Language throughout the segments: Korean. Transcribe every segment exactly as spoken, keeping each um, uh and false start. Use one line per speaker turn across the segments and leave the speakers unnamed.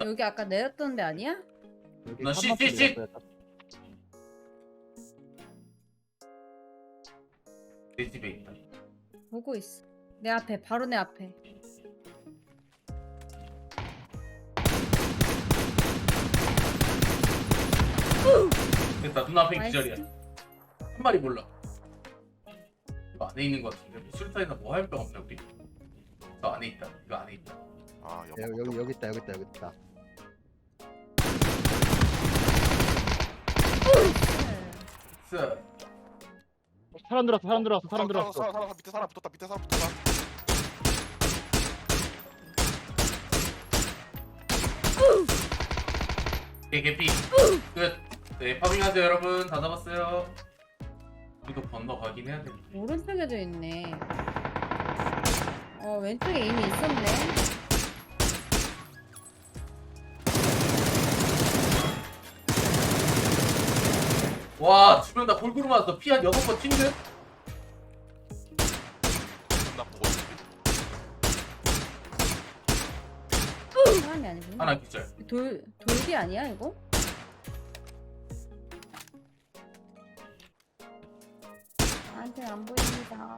여기 아까 내렸던 데 아니야?
여기
나
칸막히
씨, 씨, 씨.
내렸어요.
내 집에 있다.
보고 있어. 내 앞에, 바로 내 앞에.
됐다. 눈앞에
나이스.
기절이야. 한 마리 몰라. 이거 안에 있는 거 같은데. 뭐 술탄이나 뭐 할 병 없나 우리? 저 안에 있다. 이거 안에 있다.
아
네, 여기 여기 여기 있다 여기 있다 여기 있다.
쓰.
사람 들었어 사람 들었어 사람
사람
들었어.
사람 사람 밑에 사람 붙었다 밑에 사람 붙었다.
개 개피. 끝. 네 파밍하세요 여러분. 다 잡았어요. 우리도 건너가긴 해야 돼.
오른쪽에도 있네. 어, 왼쪽에 이미 있었네.
와 주변 다 골고루 맞았어. 피 한 여섯 번 튄 듯?
나 보고 있는데.
사람이 아니구나.
하나 기절.
돌, 돌기 아니야, 이거? 나한테 안 보입니다.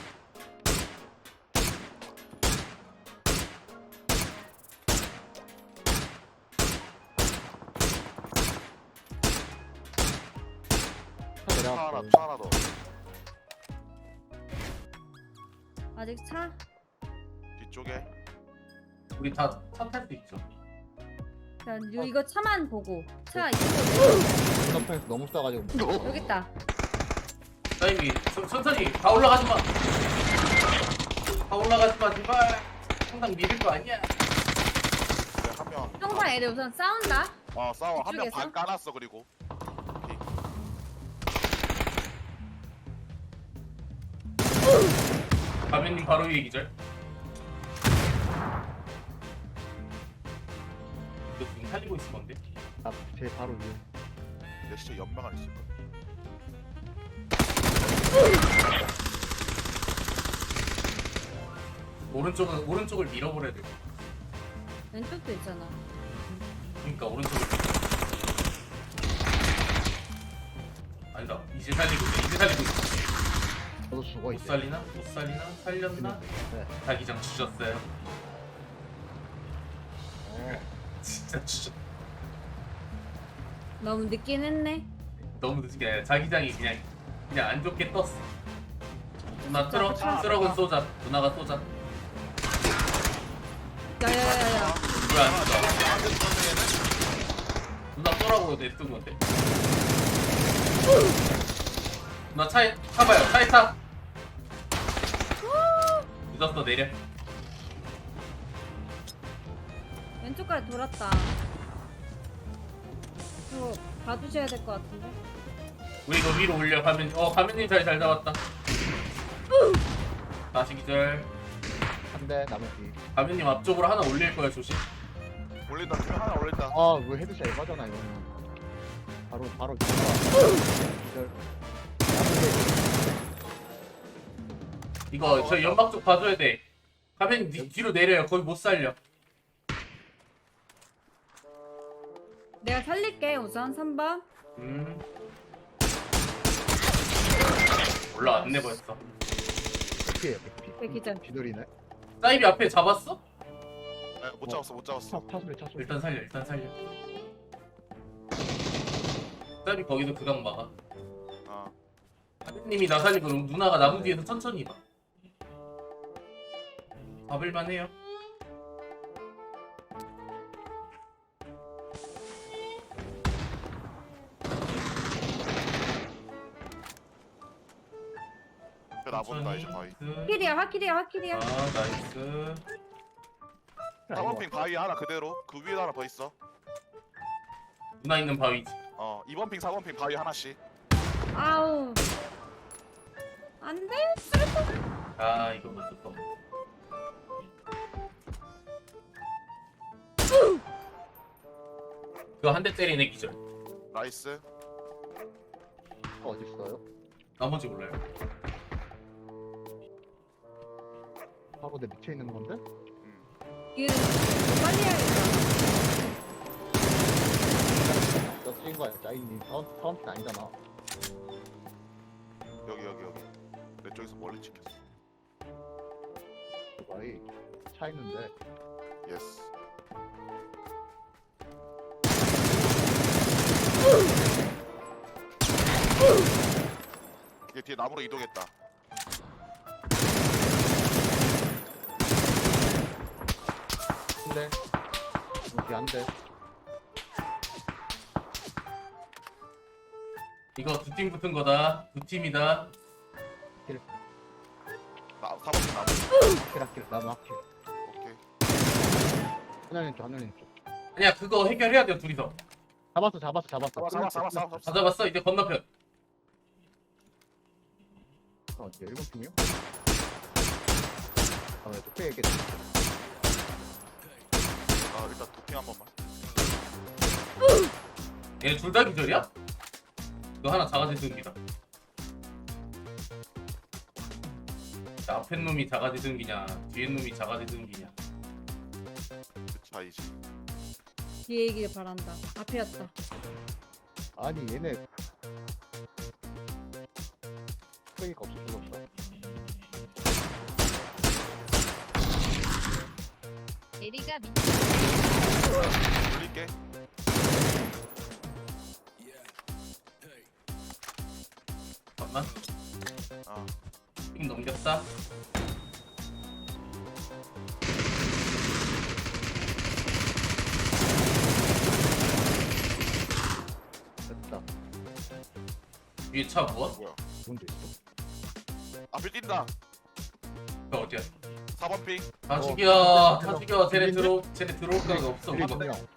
차 하나
내려왔어.
차 하나 더.
아직 차?
뒤쪽에.
우리 다 차 탈 수 있죠.
자,
어.
요, 이거 차만 보고. 차 이쪽으로
눈앞에서 너무 싸가지고.
여기 있다.
사장님이 천- 천천히 다 올라가지 마. 다 올라가지 마 제발. 항상 믿을 거 아니야.
네, 한 명.
형사 애들 우선 싸운다.
어 싸워 한 명
이쪽에서?
반 까놨어 그리고. 오케이.
가면님 바로 위에 기절. 이거 지금 살리고 있을 건데.
앞제 바로 위에.
내 시체 연막 안 있을 거야.
오른쪽은 오른쪽을 밀어버려야 돼.
왼쪽도 있잖아.
그러니까 오른쪽을. 아니다. 이제 살리고 있어. 이제 살리고 있어.
저도 죽어
못
이제.
살리나? 못 살리나? 살렸나?
네.
자기장 주셨어요.
어.
진짜 주셨.
너무 늦긴 했네.
너무 늦은 게 아니라 자기장이 그냥 그냥 안 좋게 떴어. 누나 트럭
아,
트럭은 쏘자. 누나가 쏘자.
야야야야.
왜 안 쏘자? 누나 쏘라고 냈던 건데. 누나 차에 타봐요. 차에 타. 늦었어 내려.
왼쪽까지 돌았다. 이거 봐주셔야 될 것 같은데.
우리 이거 위로 올려 가면 어 가면님 자리 잘 잡았다. 다시 기절.
한대 나머지.
가면님 앞쪽으로 하나 올릴 거야 조심.
올린다 투명 하나 올린다.
아, 왜 헤드샷 에바잖아 이거는. 바로 바로 기절.
이거 저 연막 쪽 봐줘야 돼. 가면님 뒤, 뒤로 내려요. 거기 못 살려.
내가 살릴게 우선 삼 번.
음. 올라왔네 벌써.
피해요.
네, 기절.
기절이네.
사이비 앞에 잡았어?
네, 못 잡았어 못 잡았어.
차 차소리 차소리.
일단 살려 일단 살려. 사이비 거기서 그강 막아.
아
하느님이 나 살리고 그럼 누나가 나무 뒤에서 천천히 봐. 잡을만 해요.
그 나본다 이제 바위.
확킬이야 확킬이야 확킬이야.
아 나이스.
사 번 핑 바위 하나 그대로. 그 위에 하나 더 있어.
누나 있는 바위지.
어 이 번 핑 사 번 핑 바위 하나씩.
아우. 안 돼.
아 이거 못 줬다. 그거 한 대 때리네 기절.
나이스.
어디 있어요?
나머지 몰라요.
바로 내 밑에 있는 건데?
음.
이거 빨리 해야겠다.
저 찍은 거야 짜인님. 사원 사원팀 아니잖아.
여기 여기 여기 내 쪽에서 멀리 찍혔어.
거의 차 있는데.
예스. 얘 뒤에 나무로 이동했다.
근데 여기 안 돼.
이거 두 팀 붙은 거다. 두 팀이다.
나 사 번째 나무.
킬 아킬 나무 아킬.
오케이.
하늘님 쪽 하늘님 쪽.
아니야 그거 해결해야 돼요 둘이서.
잡았어 잡았어 잡았어.
잡아 잡아 잡아 잡아.
다 잡았어. 이제 건너편.
어디 일본 팀이요? 아, 왜 뚝배 얘기했지?
아 일단 도핑 한 번만.
얘 둘 다 기절이야? 이거 하나 자가지 등기다. 앞에 놈이 자가지 등기냐 뒤에 놈이 자가지 등기냐.
그 차이지.
뒤에 얘기를 바란다. 앞에였다.
아니 얘네 뚝배기가 없어 죽었어.
에리가 미
돌릴게.
잠깐만.
아
팀 넘겼다.
됐다.
위에 차 무엇?
뭐야?
뭔데 있어?
앞에 뛴다.
그 어디야?
사 번 핑.
다
어,
죽여. 다
들어.
죽여. 쟤네
들리니?
들어. 쟤네 들어올 데가 없어.
일본
우리가.
형.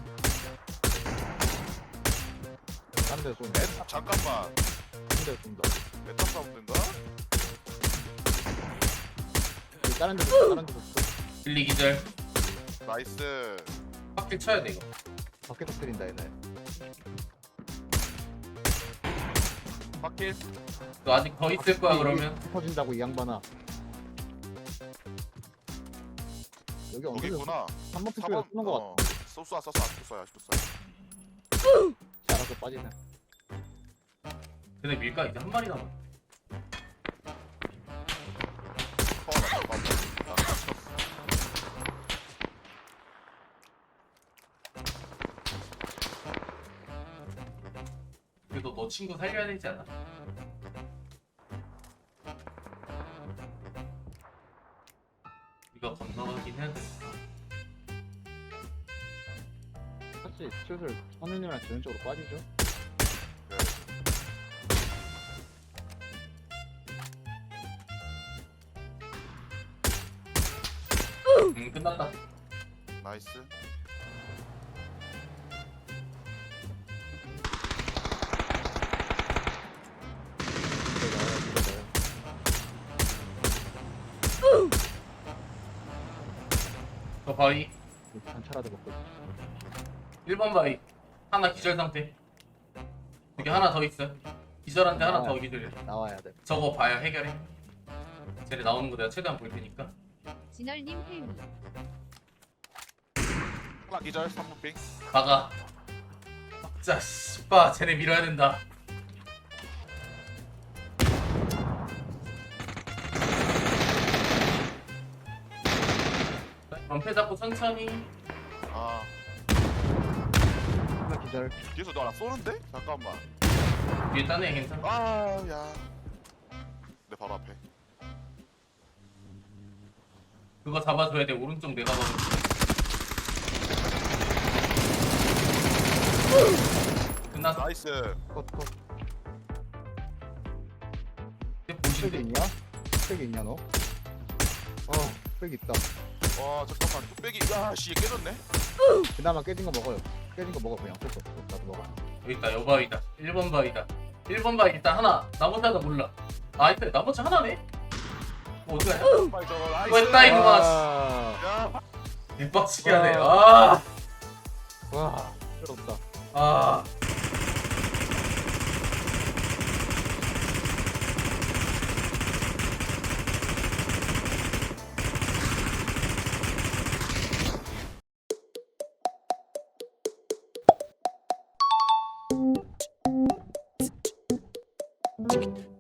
한대 쏜.
에 잠깐만.
한대 쏜다.
메타 사운드인가?
여기 다른 데도 있어, 다른 데도 있어.
빌리 기절.
나이스.
빡길 쳐야 돼 이거.
밖에서 때린다 얘네.
확킬.
너 아직 더 있을 거야 그러면.
터진다고 이 양반아. 여기
여기
언제
있구나.
한번
사
픽을
번.
쓰는 거 같아.
어. 쏘쏘 쏘쏘 쏘쏘 쏘쏘.
알아서 빠지네.
쟤네 밀까 이제 한 마리 남았.
퍼나 잠깐만. 나 갇혔어.
그래도 너 친구 살려야 되지 않아? 우리가 건너가긴 해야 되니까.
사실 슬슬 선우님이랑 전적으로 빠지죠.
네.
음 끝났다.
나이스.
이거 나와요, 이거 나와요.
저 바위
단차라도 먹고 있어.
일 번 바위 하나 기절 상태. 여기 하나 더 있어. 기절한데 하나 더 기절해.
나와야 돼.
저거 봐야 해결해. 쟤네 나오는 거 내가 최대한 볼 테니까.
진얼님 헬미
하나 기절 삼 번 핑.
박아. 자 씨빠 쟤네 밀어야 된다. 방패 잡고 천천히.
아
하나 기절.
뒤에서 너 나 쏘는데? 잠깐만.
뒤에 딴애 괜찮아.
아야. 내 바로 앞에.
그거 잡아줘야 돼. 오른쪽 내가 봐도. 끝났어.
나이스.
컷 컷.
이제
팩이
보신대.
있냐? 팩이 있냐 너? 어, 팩 있다.
와 잠깐만 뚝배기. 야씨 깨졌네.
그나마 깨진 거 먹어요. 깨진 거 먹어 그냥. 어쩔 수 없어. 나도 먹어.
여기 있다. 여 바위다. 일 번 바위다. 일 번 바위 일단 하나. 나머지 하나 몰라. 아 있다. 나머지 하나네. 뭐 어디 가냐?
빨리 저거. 나이스.
이거 했다, 이거.
와,
야.
뒷박치기 하네. 아.
와, 부럽다.
아. 치킨.